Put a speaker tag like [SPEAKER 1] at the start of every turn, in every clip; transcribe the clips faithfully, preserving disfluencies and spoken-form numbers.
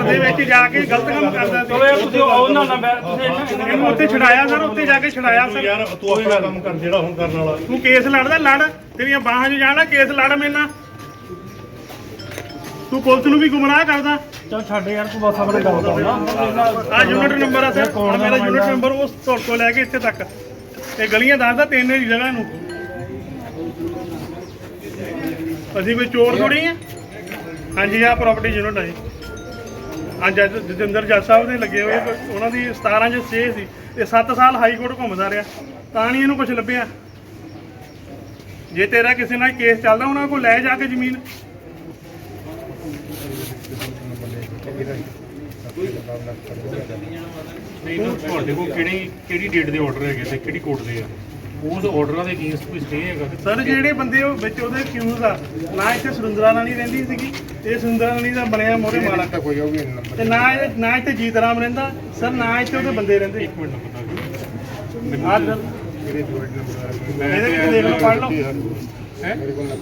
[SPEAKER 1] ਦੇ ਵਿੱਚ ਜਾ ਕੇ ਗਲਤ ਕੰਮ ਕਰਦਾ ਸੀ।
[SPEAKER 2] ਚਲੋ ਯਾਰ ਤੁਸੀਂ ਉਹਨਾਂ ਨਾਲ ਬੈ- ਤੁਸੀਂ
[SPEAKER 1] ਇਹਨੂੰ ਉੱਥੇ ਛਡਾਇਆ ਸਰ, ਉੱਥੇ ਜਾ ਕੇ ਛਡਾਇਆ ਸਰ।
[SPEAKER 3] ਯਾਰ ਤੂੰ ਆਪਣਾ ਕੰਮ ਕਰ ਜਿਹੜਾ ਹੁਣ ਕਰਨ ਵਾਲਾ।
[SPEAKER 1] ਤੂੰ ਕੇਸ ਲੜਦਾ ਲੜ, ਤੇਰੀਆਂ ਬਾਹਾਂ 'ਚ ਜਾਣਾ, ਕੇਸ ਲੜ ਮੇਰੇ ਨਾਲ। ਤੂੰ ਪੁਲਿਸ ਨੂੰ ਵੀ ਗੁੰਮਰਾਹ ਕਰਦਾ।
[SPEAKER 2] ਚੱਲ ਛੱਡ ਯਾਰ ਤੂੰ ਬਸ ਆਪਣੇ ਗੱਲ ਕਰ ਨਾ।
[SPEAKER 1] ਆ ਯੂਨਿਟ ਨੰਬਰ ਆ ਸਰ, ਆਹ ਮੇਰਾ ਯੂਨਿਟ ਨੰਬਰ ਉਸ ਤੁਹਾਡੇ ਤੋਂ ਲੈ ਕੇ ਇੱਥੇ ਤੱਕ ਇਹ ਗਲੀਆਂ ਦੱਸਦਾ ਤਿੰਨ ਹੀ ਜਗ੍ਹਾ ਨੂੰ। ਅਸੀਂ ਕੋਈ ਚੋਰ ਥੋੜੀ ਆ। ਹਾਂਜੀ ਆ ਪ੍ਰਾਪਰਟੀ ਯੂਨਿਟ ਆ ਜੀ। ਹਾਂ ਜੱਜ ਜਤਿੰਦਰ ਜੱਜ ਸਾਹਿਬ ਦੇ ਲੱਗੇ ਹੋਏ, ਉਹਨਾਂ ਦੀ ਸਤਾਰਾਂ 'ਚ ਸਟੇ ਸੀ। ਇਹ ਸੱਤ ਸਾਲ ਹਾਈ ਕੋਰਟ ਘੁੰਮਦਾ ਰਿਹਾ ਤਾਂ ਨਹੀਂ ਇਹਨੂੰ ਕੁਝ ਲੱਭਿਆ। ਜੇ ਤੇਰਾ ਕਿਸੇ ਨਾਲ ਕੇਸ ਚੱਲਦਾ ਉਹਨਾਂ ਕੋਲ ਲੈ ਜਾ ਕੇ ਜ਼ਮੀਨ।
[SPEAKER 3] ਨਹੀਂ ਤੁਹਾਡੇ ਕੋਲ ਕਿਹੜੀ ਕਿਹੜੀ ਡੇਟ ਦੇ ਆਰਡਰ ਹੈਗੇ ਤੇ ਕਿਹੜੀ ਕੋਰਟ ਦੇ ਆ? ਉਸ ਆਰਡਰਾਂ ਦੇ ਅਗੇਂਸਟ ਕੋਈ ਸਟੇ ਹੈਗਾ?
[SPEAKER 1] ਸਰ ਜਿਹੜੇ ਬੰਦੇ ਉਹ ਵਿੱਚ ਉਹਦੇ ਅਕਿਊਜ਼ ਆ, ਨਾ ਇੱਥੇ ਸੁਰਿੰਦਰਾ ਰਾਣੀ ਰਹਿੰਦੀ ਸੀਗੀ, ਇਹ ਸੁਰਿੰਦਰਾ ਰਾਣੀ ਦਾ ਬਣਿਆ ਮੋਰੇ ਮਾਲਕ ਤੇ ਨਾ ਇਹ ਨਾ ਇੱਥੇ ਜੀਤ ਰਾਮ ਰਹਿੰਦਾ ਸਰ, ਨਾ ਇੱਥੇ ਉਹਦੇ ਬੰਦੇ ਰਹਿੰਦੇ।
[SPEAKER 3] ਇੱਕ ਮਿੰਟ ਪਤਾ
[SPEAKER 1] ਆਹ ਸਰ ਇਹਦੇ ਵਿੱਚ ਦੇਖ ਲਓ, ਪੜ੍ਹ ਲਓ।
[SPEAKER 3] ਹੈ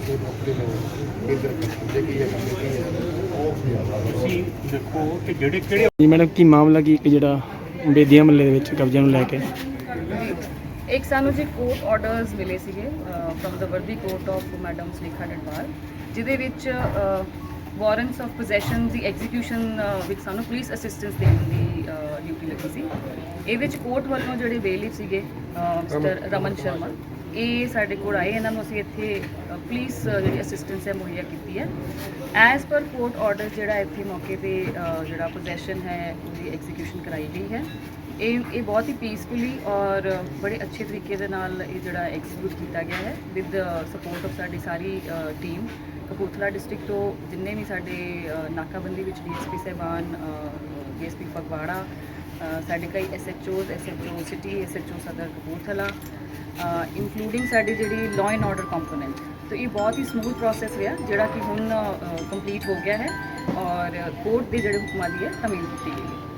[SPEAKER 3] ਤੁਸੀਂ ਦੇਖੋ ਕਿ ਜਿਹੜੇ ਕਿਹੜੇ
[SPEAKER 2] ਜੀ ਮੈਡਮ ਕੀ ਮਾਮਲਾ ਕੀ ਇੱਕ ਜਿਹੜਾ ਬੇਦੀਆਂ ਮਹੱਲੇ ਦੇ ਵਿੱਚ ਕਬਜ਼ੇ ਨੂੰ ਲੈ ਕੇ
[SPEAKER 4] ਇੱਕ ਸਾਨੂੰ ਜੀ ਕੋਰਟ ਆਰਡਰਸ ਮਿਲੇ ਸੀਗੇ from the worthy court of madam Sulekha Dadwal, ਜਿਹਦੇ ਵਿੱਚ ਵਾਰੰਟਸ ਆਫ ਪੋਜੈਸ਼ਨ ਦੀ ਐਗਜ਼ੀਕਿਊਸ਼ਨ ਵਿੱਚ ਸਾਨੂੰ ਪੁਲਿਸ ਅਸਿਸਟੈਂਸ ਦੇਣ ਦੀ ਡਿਊਟੀ ਲੱਗੀ ਸੀ। ਇਹ ਵਿੱਚ ਕੋਰਟ ਵੱਲੋਂ ਜਿਹੜੇ ਬੇਲੀਫ ਸੀਗੇ ਮਿਸਟਰ ਰਮਨ ਸ਼ਰਮਾ, ਇਹ ਸਾਡੇ ਕੋਲ ਆਏ। ਇਹਨਾਂ ਨੂੰ ਅਸੀਂ ਇੱਥੇ ਪੁਲਿਸ ਜਿਹੜੀ ਅਸਿਸਟੈਂਸ ਹੈ ਮੁਹੱਈਆ ਕੀਤੀ ਹੈ। ਐਜ਼ ਪਰ ਕੋਰਟ ਆਰਡਰ ਜਿਹੜਾ ਇੱਥੇ ਮੌਕੇ 'ਤੇ ਜਿਹੜਾ ਪੋਜੈਸ਼ਨ ਹੈ ਉਹਦੀ ਐਗਜ਼ੀਕਿਊਸ਼ਨ ਕਰਾਈ ਗਈ ਹੈ। ਇਹ ਇਹ ਬਹੁਤ ਹੀ ਪੀਸਫੁਲੀ ਔਰ ਬੜੇ ਅੱਛੇ ਤਰੀਕੇ ਦੇ ਨਾਲ ਇਹ ਜਿਹੜਾ ਐਗਜ਼ੀਕਿਊਟ ਕੀਤਾ ਗਿਆ ਹੈ ਵਿਦ ਸਪੋਰਟ ਆਫ ਸਾਡੀ ਸਾਰੀ ਟੀਮ। ਕਪੂਰਥਲਾ ਡਿਸਟ੍ਰਿਕਟ ਤੋਂ ਜਿੰਨੇ ਵੀ ਸਾਡੇ ਨਾਕਾਬੰਦੀ ਵਿੱਚ ਡੀ ਐਸ ਪੀ ਸਾਹਿਬਾਨ, ਡੀ ਐਸ ਪੀ ਫਗਵਾੜਾ, ਸਾਡੇ ਕਈ S H Os, S H O city, S H O Sadar Kapurthala, including ਸਾਡੀ ਜਿਹੜੀ ਲਾਅ ਐਂਡ ਆਰਡਰ ਕੰਪੋਨੈਂਟ। तो ये बहुत ही ਸਮੂਥ ਪ੍ਰੋਸੈਸ ਰਿਹਾ ਜਿਹੜਾ ਕਿ ਹੁਣ ਕੰਪਲੀਟ ਹੋ ਗਿਆ ਹੈ ਔਰ ਕੋਰਟ ਦੇ ਜਿਹੜੇ ਹੁਕਮਾਂ ਦੀ ਹੈ ਤਾਮੀਲ ਕੀਤੀ ਗਈ ਹੈ।